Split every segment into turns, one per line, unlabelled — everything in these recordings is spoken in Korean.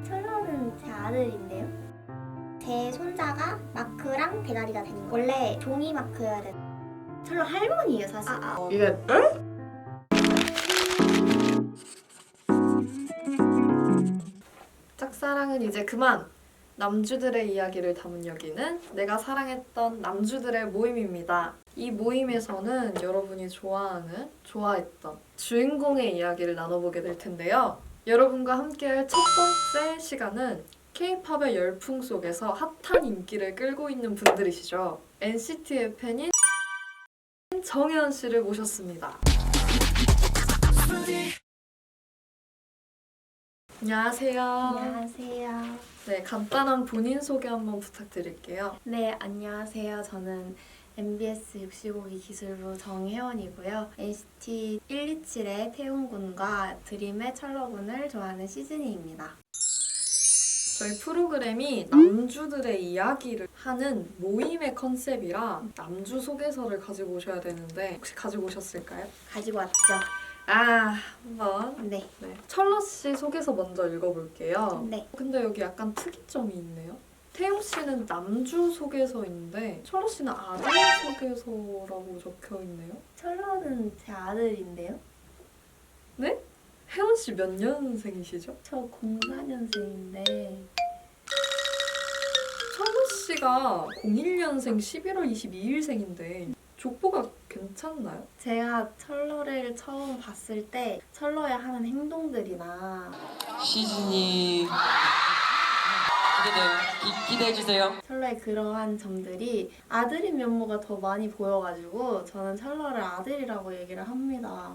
철러는 제 아들인데요. 제 손자가 마크랑 대가리가 되는 거예요. 원래 종이 마크여야 돼. 철러 할머니예요 사실.
이게 짝사랑은 이제 그만! 남주들의 이야기를 담은 여기는 내가 사랑했던 남주들의 모임입니다. 이 모임에서는 여러분이 좋아했던 주인공의 이야기를 나눠보게 될 텐데요. 여러분과 함께할 첫 번째 시간은 K-팝의 열풍 속에서 핫한 인기를 끌고 있는 분들이시죠. NCT의 팬인 정혜원 씨를 모셨습니다. 안녕하세요.
안녕하세요.
네, 간단한 본인 소개 한번 부탁드릴게요.
네, 안녕하세요. 저는 MBS 65기 기술부 정혜원이고요. NCT 127의 태용군과 드림의 철러군을 좋아하는 시즈니입니다.
저희 프로그램이 남주들의 이야기를 하는 모임의 컨셉이라 남주 소개서를 가지고 오셔야 되는데 혹시 가지고 오셨을까요?
가지고 왔죠?
한번.
네.
네. 철러 씨 소개서 먼저 읽어볼게요.
네.
근데 여기 약간 특이점이 있네요. 태용 씨는 남주 소개서인데 철러 씨는 아들 소개서라고 적혀 있네요.
철러는 제 아들인데요?
혜원 씨 몇 년생이시죠?
저 04년생인데
철러 씨가 01년생 11월 22일생인데 족보가 괜찮나요?
제가 철러를 처음 봤을 때 철러의 하는 행동들이나
시즌이 기대해주세요.
철러의 그러한 점들이 아들인 면모가 더 많이 보여가지고 저는 철러를 아들이라고 얘기를 합니다.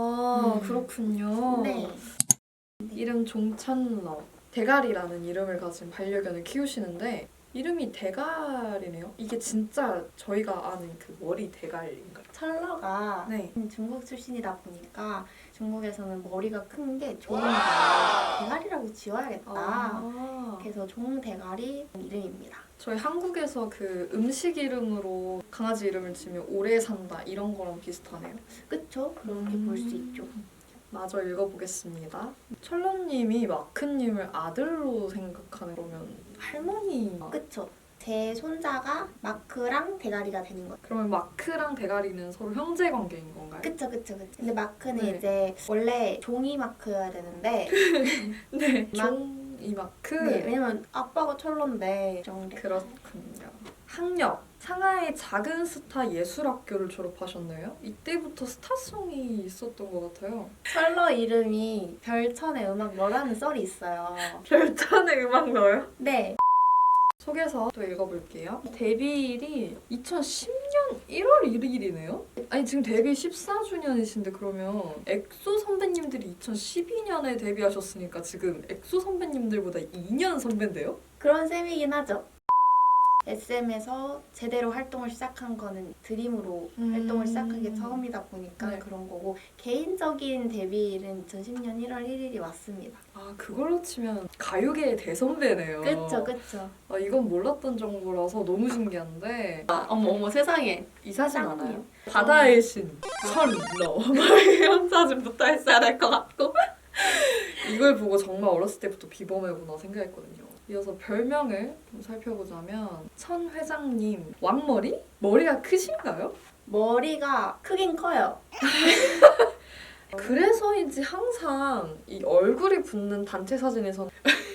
그렇군요.
네.
이름 종찬러. 대가리라는 이름을 가진 반려견을 키우시는데 이름이 대가리네요. 이게 진짜 저희가 아는 그 머리 대가리인가요?
철러가
네.
중국 출신이다 보니까 중국에서는 머리가 큰 게 좋은데 대가리라고 지어야겠다. 그래서 종대가리 이름입니다.
저희 한국에서 그 음식 이름으로 강아지 이름을 지으면 오래 산다 이런 거랑 비슷하네요.
그쵸? 그렇게 볼 수 있죠.
마저 읽어보겠습니다. 철러님이 마크님을 아들로 생각하는 거면 할머니.
그쵸?
제 손자가 마크랑 대가리가 되는 거예요.
그러면 마크랑 대가리는 서로 형제 관계인 건가요?
그쵸. 근데 마크는
네.
이제 원래 종이 마크여야 되는데
네.
막-
종이 마크.
네, 왜냐면 아빠가 철러인데 정도.
그렇군요. 학력. 상하이 작은 스타 예술학교를 졸업하셨네요. 이때부터 스타성이 있었던 것 같아요.
철러 이름이 별천의 음악 너라는 썰이 있어요.
별탄의 음악 넣어요?
네.
소개서 또 읽어볼게요. 데뷔일이 2010년 1월 1일이네요? 아니 지금 데뷔 14주년이신데 그러면 엑소 선배님들이 2012년에 데뷔하셨으니까 지금 엑소 선배님들보다 2년 선배인데요?
그런 셈이긴 하죠. SM에서 제대로 활동을 시작한 거는 드림으로 활동을 시작한 게 처음이다 보니까
네.
그런 거고 개인적인 데뷔일은 2010년 1월 1일이 왔습니다.
아 그걸로 치면 가요계의 대선배네요.
그쵸.
아, 이건 몰랐던 정보라서 너무 신기한데
어머 세상에.
이 사진
짱이에요.
알아요? 바다의 신 철러 이런 사진부터 했어야 될 것 같고 이걸 보고 정말 어렸을 때부터 비범해구나 생각했거든요. 이어서 별명을 좀 살펴보자면 천 회장님 왕머리? 머리가 크신가요?
머리가 크긴 커요.
그래서인지 항상 이 얼굴이 붙는 단체 사진에서는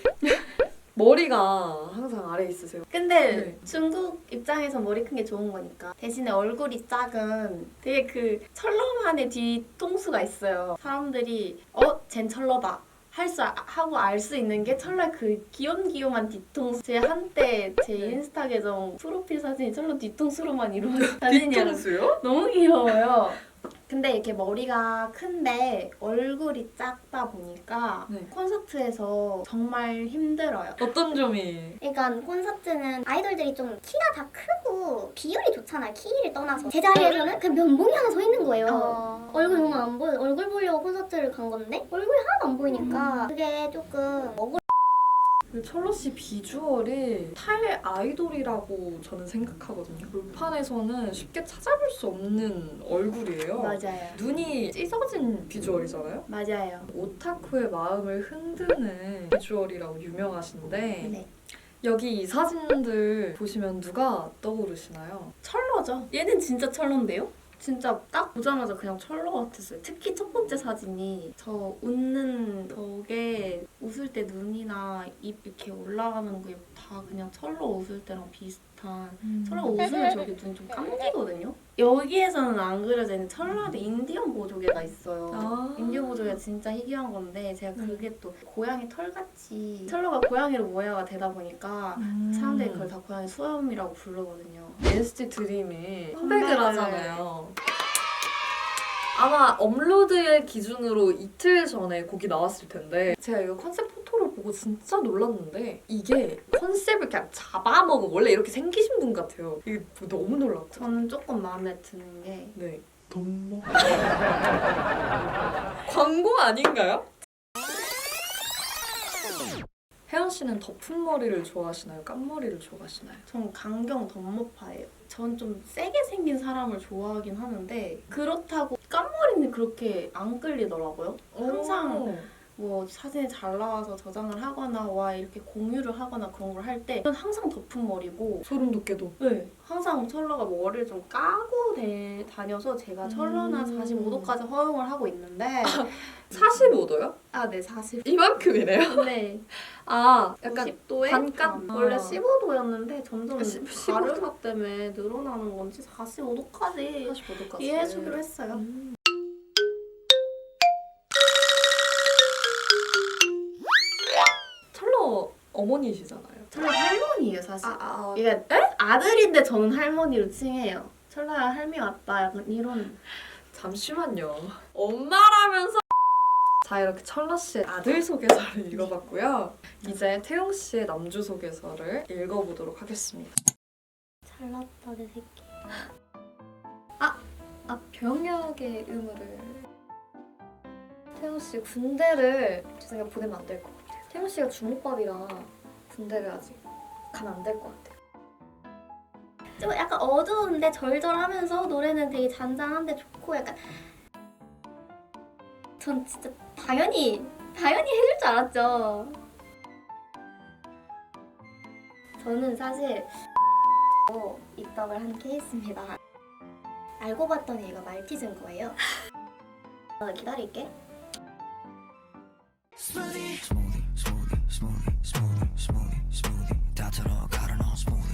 머리가 항상 아래에 있으세요.
근데
네.
중국 입장에서 머리 큰 게 좋은 거니까 대신에 얼굴이 작은 되게 그 철러만의 뒤통수가 있어요. 사람들이 쟨 철러다 하고 알 수 있는 게 철러의 그 귀염귀염한 뒤통수. 제 한때 제
네.
인스타 계정 프로필 사진이 철러 뒤통수로만 이루어진 사진이라
뒤통수요?
너무 귀여워요. 근데 이렇게 머리가 큰데 얼굴이 작다 보니까
네.
콘서트에서 정말 힘들어요.
어떤 점이?
그러니까 콘서트는 아이돌들이 좀 키가 다 크고 비율이 좋잖아요. 키를 떠나서 제 자리에서는 그냥 면봉이 하나 서 있는 거예요. 얼굴 정말 안 보여. 얼굴 보려고 콘서트를 간 건데 얼굴이 하나도 안 보이니까 그게 조금 억울.
그 철러 씨 비주얼이 탈 아이돌이라고 저는 생각하거든요. 물판에서는 쉽게 찾아볼 수 없는 얼굴이에요.
맞아요.
눈이 찢어진 비주얼이잖아요.
맞아요.
오타쿠의 마음을 흔드는 비주얼이라고 유명하신데
네.
여기 이 사진들 보시면 누가 떠오르시나요?
철러죠. 얘는 진짜 철러인데요? 진짜 딱 보자마자 그냥 철러 같았어요. 특히 첫 번째 사진이 저 웃는 저게 웃을 때 눈이나 입 이렇게 올라가는 게 다 그냥 철러 웃을 때랑 비슷한 철러가 웃으면 저렇게 눈이 좀 감기거든요? 여기에서는 안 그려져 있는 철러한테 인디언 보조개가 있어요.
아.
인디언 보조개가 진짜 희귀한 건데 제가 그게 또 고양이 털같이 철러가 고양이로 모양가 되다 보니까 사람들이 그걸 다 고양이 수염이라고 부르거든요.
NCT 드림이 컴백을
컴백을
하잖아요. 아마 업로드일 기준으로 이틀 전에 곡이 나왔을 텐데 제가 이거 컨셉 포토를 보고 진짜 놀랐는데 이게 컨셉을 그냥 잡아먹은 원래 이렇게 생기신 분 같아요. 이게 너무 놀랐고
저는 조금 마음에 드는 게
네.
돈모
광고 아닌가요? 혜연 씨는 덮은 머리를 좋아하시나요? 깐머리를 좋아하시나요?
전 강경 덤머파예요. 전 좀 세게 생긴 사람을 좋아하긴 하는데 그렇다고 깐머리는 그렇게 안 끌리더라고요. 항상 뭐 사진이 잘 나와서 저장을 하거나 와 이렇게 공유를 하거나 그런 걸 할 때 저는 항상 덮은 머리고
소름 돋게도
네. 항상 철러가 머리를 좀 까고 다녀서 제가 철러나 45도까지 허용을 하고 있는데
45도요?
아, 네, 40.
이만큼이네요?
네.
아 약간
10도에
반값?
원래
아.
15도였는데 점점
15도?
가르마 때문에 늘어나는 건지 45도까지
45도까지
이해해주기로 했어요.
철러 어머니시잖아요.
철러 할머니예요, 사실.
아,
이게 아들인데 저는 할머니로 칭해요. 철러야 할미 왔다 약간 이런.
잠시만요. 엄마라면서 자 이렇게 철러 씨의 아들 소개서를 읽어봤고요. 이제 태용 씨의 남주 소개서를 읽어보도록 하겠습니다.
잘났다 내 새끼.
병역의 의무를 태용 씨 군대를 제 생각에 보내면 안 될 것 같아요. 태용 씨가 주먹밥이라 군대를 아직 가면 안 될 것 같아요.
좀 약간 어두운데 절절하면서 노래는 되게 잔잔한데 좋고 약간 전 진짜 당연히 해줄 줄 알았죠. 저는 사실 입덕을 한 케이스입니다. 알고 봤더니 얘가 말티즈인 거예요. 기다릴게.
Smoothie, smoothie, smoothie, smoothie, smoothie, smoothie. 다 들어 가라 너 smoothie.